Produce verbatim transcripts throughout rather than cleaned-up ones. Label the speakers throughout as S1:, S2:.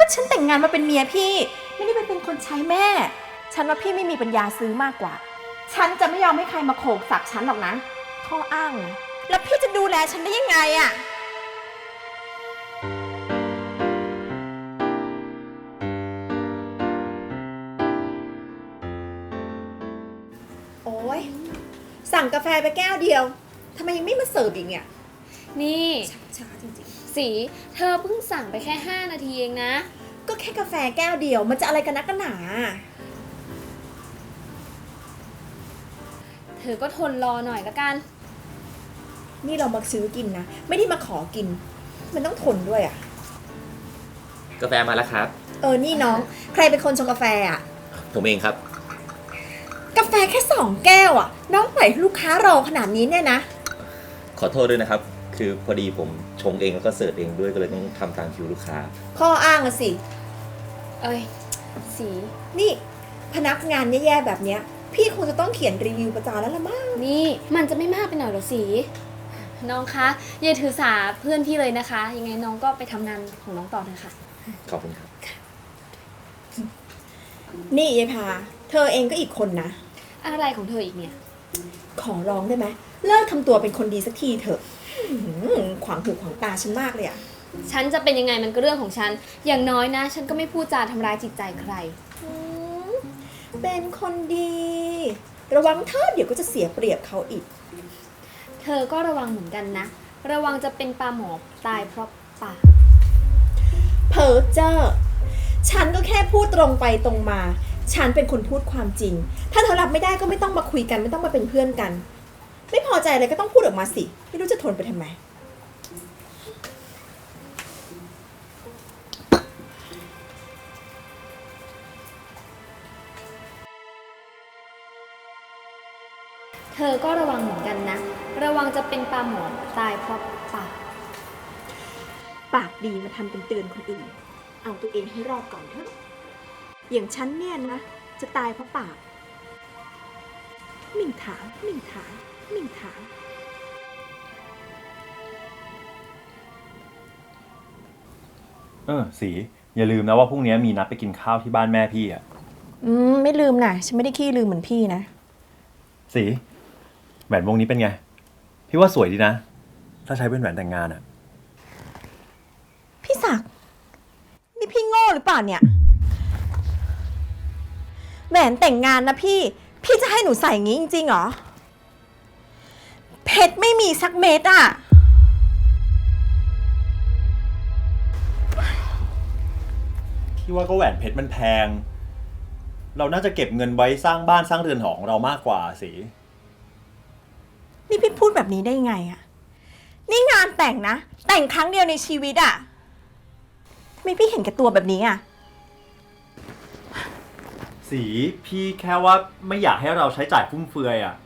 S1: ฉันแต่งงานมาเป็นเมียพี่ไม่ได้ไปเป็นคนใช้แม่ฉันว่าพี่ไม่มีปัญญาซื้อมากกว่าฉันจะไม่ยอมให้ใครมาโขกสักฉันหรอกนะข้ออ้างนะแล้วพี่จะดูแลฉันได้ยังไงอะโอ๊ยสั่งกาแฟไปแก้วเดียวทำไมยังไม่มาเสิร์ฟอีกเนี่ย
S2: นี่
S1: ช้าจริง
S2: ๆสีเธอเพิ่งสั่งไปแค่ห้านาทีเองนะ
S1: ก็แค่กาแฟแก้วเดียวมันจะอะไรกันนักกันหนา
S2: เธอก็ทนรอหน่อยละกัน
S1: นี่เรามาซื้อกินนะไม่ได้มาขอกินมันต้องทนด้วยอ่ะ
S3: กาแฟมาแล้วครับ
S1: เออนี่น้องใครเป็นคนชงกาแฟอ่ะ
S3: ผมเองครับ
S1: กาแฟแค่สองแก้วอ่ะน้องปล่อยลูกค้ารอขนาดนี้เนี่ยนะ
S3: ขอโทษด้วยนะครับคือพอดีผมชงเองแล้วก็เสิร์ฟเองด้วยก็เลยต้องทำตามคิวลูกค้า
S1: ข้ออ้างอะสิ
S2: เอ้ยสี
S1: นี่พนักงานแย่ๆแบบเนี้ยพี่คงจะต้องเขียนรีวิวประจานแล้วละมั้ง
S2: นี่มันจะไม่มากไปหน่อยหรอสีน้องคะอย่าถือสาเพื่อนพี่เลยนะคะยังไงน้องก็ไปทำงานของน้องต่อเถอะค่ะ
S3: ขอบคุณครับ
S1: นี่ยายพาเธอเองก็อีกคนนะ
S2: อะไรของเธออีกเนี่ย
S1: ขอร้องได้ไหมเลิกทำตัวเป็นคนดีสักทีเถอะขวางหูขวางตาฉันมากเลยอะ
S2: ฉันจะเป็นยังไงมันก็เรื่องของฉันอย่างน้อยนะฉันก็ไม่พูดจาทำร้ายจิตใจใคร
S1: เป็นคนดีระวังเธอเดี๋ยวก็จะเสียเปรียบเขาอีก
S2: เธอก็ระวังเหมือนกันนะระวังจะเป็นปลาหมอตายเพราะปาก
S1: เพ้อเจ้อฉันก็แค่พูดตรงไปตรงมาฉันเป็นคนพูดความจริงถ้าเธอรับไม่ได้ก็ไม่ต้องมาคุยกันไม่ต้องมาเป็นเพื่อนกันไม่พอใจอะไรก็ต้องพูดออกมาสิไม่รู้จะทนไปทำไม
S2: เธอก็ระวังเหมือนกันนะระวังจะเป็นปลาหมอตายเพราะปาก
S1: ปากดีมาทำเป็นเตือนคนอื่นเอาตัวเองให้รอดก่อนเถอะอย่างฉันเนี่ยนะจะตายเพราะปากมิ่งถามมิ่งถามมิ่งถาม
S4: เออสีอย่าลืมนะว่าพรุ่งนี้มีนัดไปกินข้าวที่บ้านแม่พี่อ่ะ
S1: อืมไม่ลืมนะฉันไม่ได้ขี้ลืมเหมือนพี่นะ
S4: สีแหวนวงนี้เป็นไงพี่ว่าสวยดีนะถ้าใช้เป็นแหวนแต่งงานอ่ะ
S1: พี่ศักดิ์นี่พี่โง่หรือเปล่าเนี่ยแหวนแต่งงานนะพี่พี่จะให้หนูใส่อย่างนี้จริงๆเหรอเพชรไม่มีสักเม็ดอ่ะ
S4: พี่ว่าก็แหวนเพชรมันแพงเราน่าจะเก็บเงินไว้สร้างบ้านสร้างเรือนหอของเรามากกว่าสิ
S1: นี่พี่พูดแบบนี้ได้ไงอ่ะนี่งานแต่งนะแต่งครั้งเดียวในชีวิตอ่ะทำไมพี่เห็นแก่ตัวแบบนี้อ่ะ
S4: สีพี่แค่ว่าไม่อยากให้เราใช้จ่ายฟุ่มเฟือยอ่ะ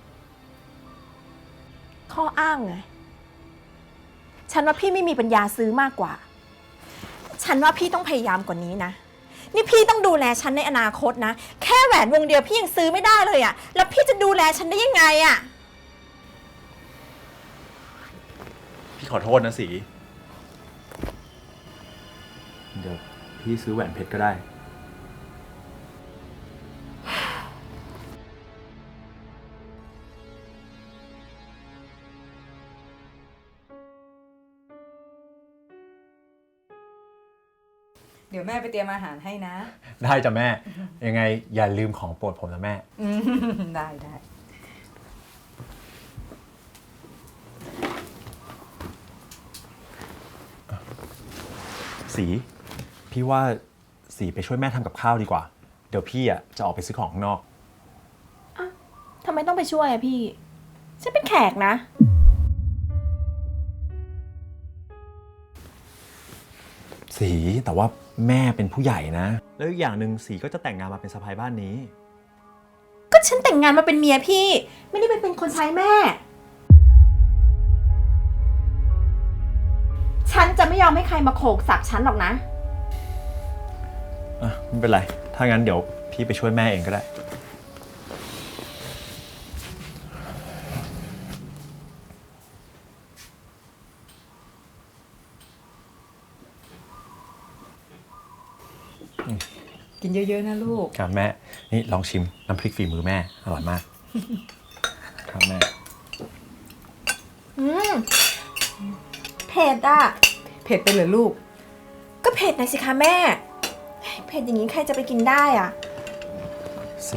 S1: ข้ออ้างไงฉันว่าพี่ไม่มีปัญญาซื้อมากกว่าฉันว่าพี่ต้องพยายามกว่านี้นะนี่พี่ต้องดูแลฉันในอนาคตนะแค่แหวนวงเดียวพี่ยังซื้อไม่ได้เลยอ่ะแล้วพี่จะดูแลฉันได้ยังไงอ่ะ
S4: พี่ขอโทษนะสีเดี๋ยวพี่ซื้อแหวนเพชรก็ได้
S5: เดี๋ยวแม่ไปเตรียมอาหารให้นะ
S4: ได้จ้ะแม่ยังไงอย่าลืมของโปรดผมนะแม่
S5: ได้ได้
S4: สีพี่ว่าสีไปช่วยแม่ทำกับข้าวดีกว่าเดี๋ยวพี่อ่ะจะออกไปซื้อของข้างนอก
S1: อ่ะทำไมต้องไปช่วยอะพี่ฉันเป็นแขกนะ
S4: สีแต่ว่าแม่เป็นผู้ใหญ่นะแล้วอีกอย่างหนึ่งสีก็จะแต่งงานมาเป็นสะใภ้บ้านนี้
S1: ก็ฉันแต่งงานมาเป็นเมียพี่ไม่ได้ไปเป็นคนใช้แม่ฉันจะไม่ยอมให้ใครมาโขกสักฉันหรอกนะ
S4: อ่ะไม่เป็นไรถ้างั้นเดี๋ยวพี่ไปช่วยแม่เองก็ได้
S5: กินเยอะๆนะลูก
S4: ครับแม่ นี่ลองชิมน้ำพริกฝีมือแม่ อร่อยมาก ครับแม่
S1: อืมเผ็ดอ่ะ
S5: เผ็ดไปเหรอลูก
S1: ก็เผ็ดหน่อยสิคะแม่ เผ็ดอย่างนี้ใครจะไปกินได้อ่ะ
S4: สี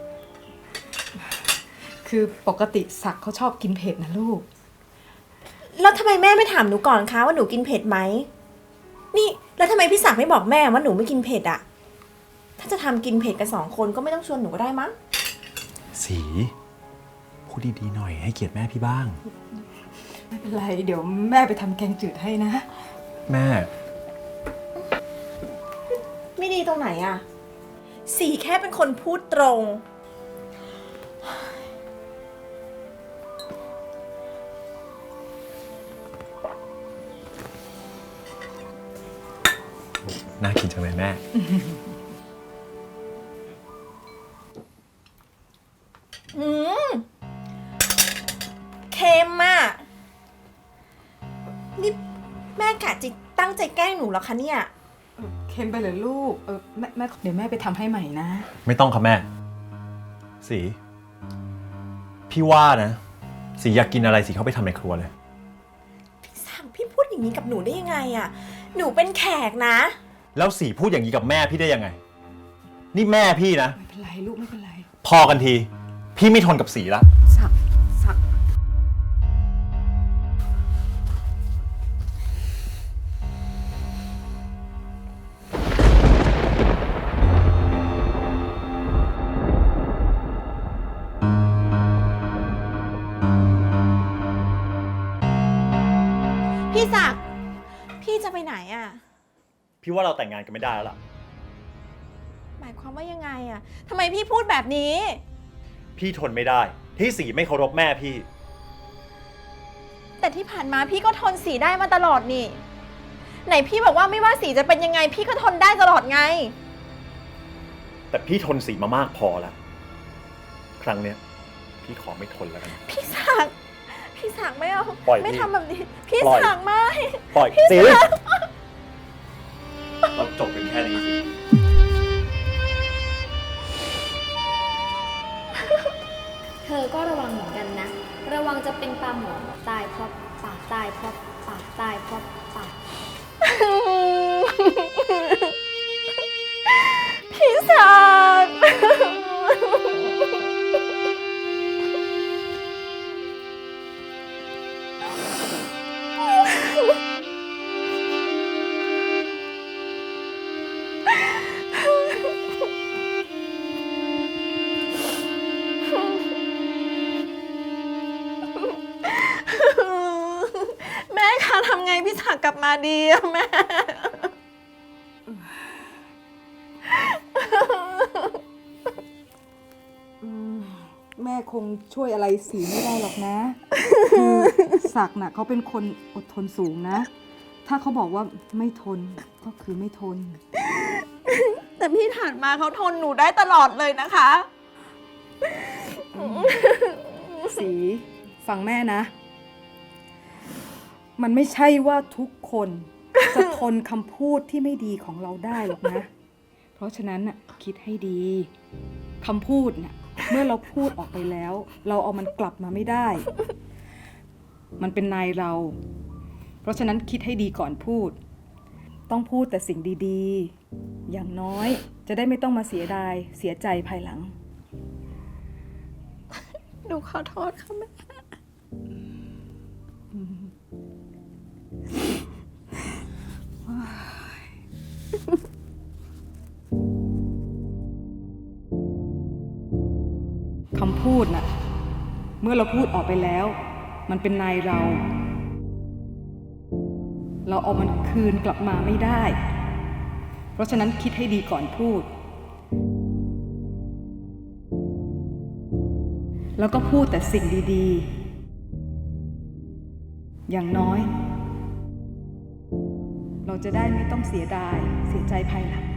S5: คือปกติศักดิ์เขาชอบกินเผ็ดนะลูก
S1: แล้วทำไมแม่ไม่ถามหนูก่อนคะว่าหนูกินเผ็ดไหม นี่แล้วทำไมพี่ศักดิ์ไม่บอกแม่ว่าหนูไม่กินเผ็ดอ่ะ ถ้าจะทำกินเผ็ดกันสองคนก็ไม่ต้องชวนหนูก็ได้มั้ง
S4: สีพูดดีๆหน่อยให้เกียรติแม่พี่บ้าง
S5: ไม่เป็นไร เดี๋ยวแม่ไปทำแกงจืดให้นะ
S4: แม่
S1: ไม่ดีตรงไหนอ่ะ สีแค่เป็นคนพูดตรง
S4: น่ากินจังเลยแม่
S1: อืมเค็มอ่ะ นี่แม่กะจิตั้งใจแกล้งหนูเหรอคะเนี่ย
S5: เค็มไปเหรอลูก เออแม่แม่เดี๋ยวแม่ไปทำให้ใหม่นะ
S4: ไม่ต้องครับแม่ สี พี่ว่านะ สีอยากกินอะไรสีเข้าไปทำในครัวเลย
S1: พี่สั่งพี่พูดอย่างนี้กับหนูได้ยังไงอ่ะ หนูเป็นแขกนะ
S4: แล้วสีพูดอย่างนี้กับแม่พี่ได้ยังไง นี่แม่พี่นะ
S5: ไม่เป็นไรลูกไม่เป็นไร
S4: พอกันที พี่ไม่ทนกับสีละ
S5: ศักดิ์ศักดิ์
S1: พี่ศักดิ์พี่จะไปไหนอ่ะ
S4: พี่ว่าเราแต่งงานกันไม่ได้แล้วล่ะ
S1: หมายความว่ายังไงอ่ะทำไมพี่พูดแบบนี้
S4: พี่ทนไม่ได้ ที่สีไม่เคารพแม่พี่
S1: แต่ที่ผ่านมาพี่ก็ทนสีได้มาตลอดนี่ ไหนพี่บอกว่าไม่ว่าสีจะเป็นยังไง พี่ก็ทนได้ตลอดไง
S4: แต่พี่ทนสีมามากพอแล้ว ครั้งเนี้ย พี่ขอไม่ทนแล้วกัน
S1: พี่ศักดิ์พี่ศักดิ์ไม่เอา
S4: ปล่อย
S1: ไม่
S4: พี่
S1: ทำแบบนี้ พี่
S4: ปล่อย
S1: ศักดิ์ไม่
S4: ปล่อย
S1: พี่
S4: สี
S1: ศักดิ์
S4: เราจบกันแค่นี้สิ
S2: เธอก็ระวังเหมือนกันนะ ระวังจะเป็นปลาหมอตายเพราะปากตายเพราะปากตายเพราะปาก
S1: พี่ศักดิ์ แม่คะทำไงพี่ศักดิ์กลับมาดีอะแม่
S5: แม่คงช่วยอะไรสีไม่ได้หรอกนะ คือศักดิ์น่ะเขาเป็นคนอดทนสูงนะ ถ้าเขาบอกว่าไม่ทนก็คือไม่ทน
S1: แต่พี่ผ่านมาเขาทนหนูได้ตลอดเลยนะคะ
S5: สีฟังแม่นะ มันไม่ใช่ว่าทุกคนจะทนคำพูดที่ไม่ดีของเราได้หรอกนะ เพราะฉะนั้นน่ะคิดให้ดีคำพูดน่ะเมื่อเราพูดออกไปแล้ว เราเอามันกลับมาไม่ได้ มันเป็นนายเรา เพราะฉะนั้นคิดให้ดีก่อนพูด ต้องพูดแต่สิ่งดีๆ อย่างน้อยจะได้ไม่ต้องมาเสียดายเสียใจภายหลัง
S1: หนูขอโทษค่ะแม่
S5: คำพูดน่ะ เมื่อเราพูดออกไปแล้ว มันเป็นนายเรา เราเอามันคืนกลับมาไม่ได้ เพราะฉะนั้นคิดให้ดีก่อนพูด แล้วก็พูดแต่สิ่งดีๆ อย่างน้อย เราจะได้ไม่ต้องเสียดายเสียใจภายหลัง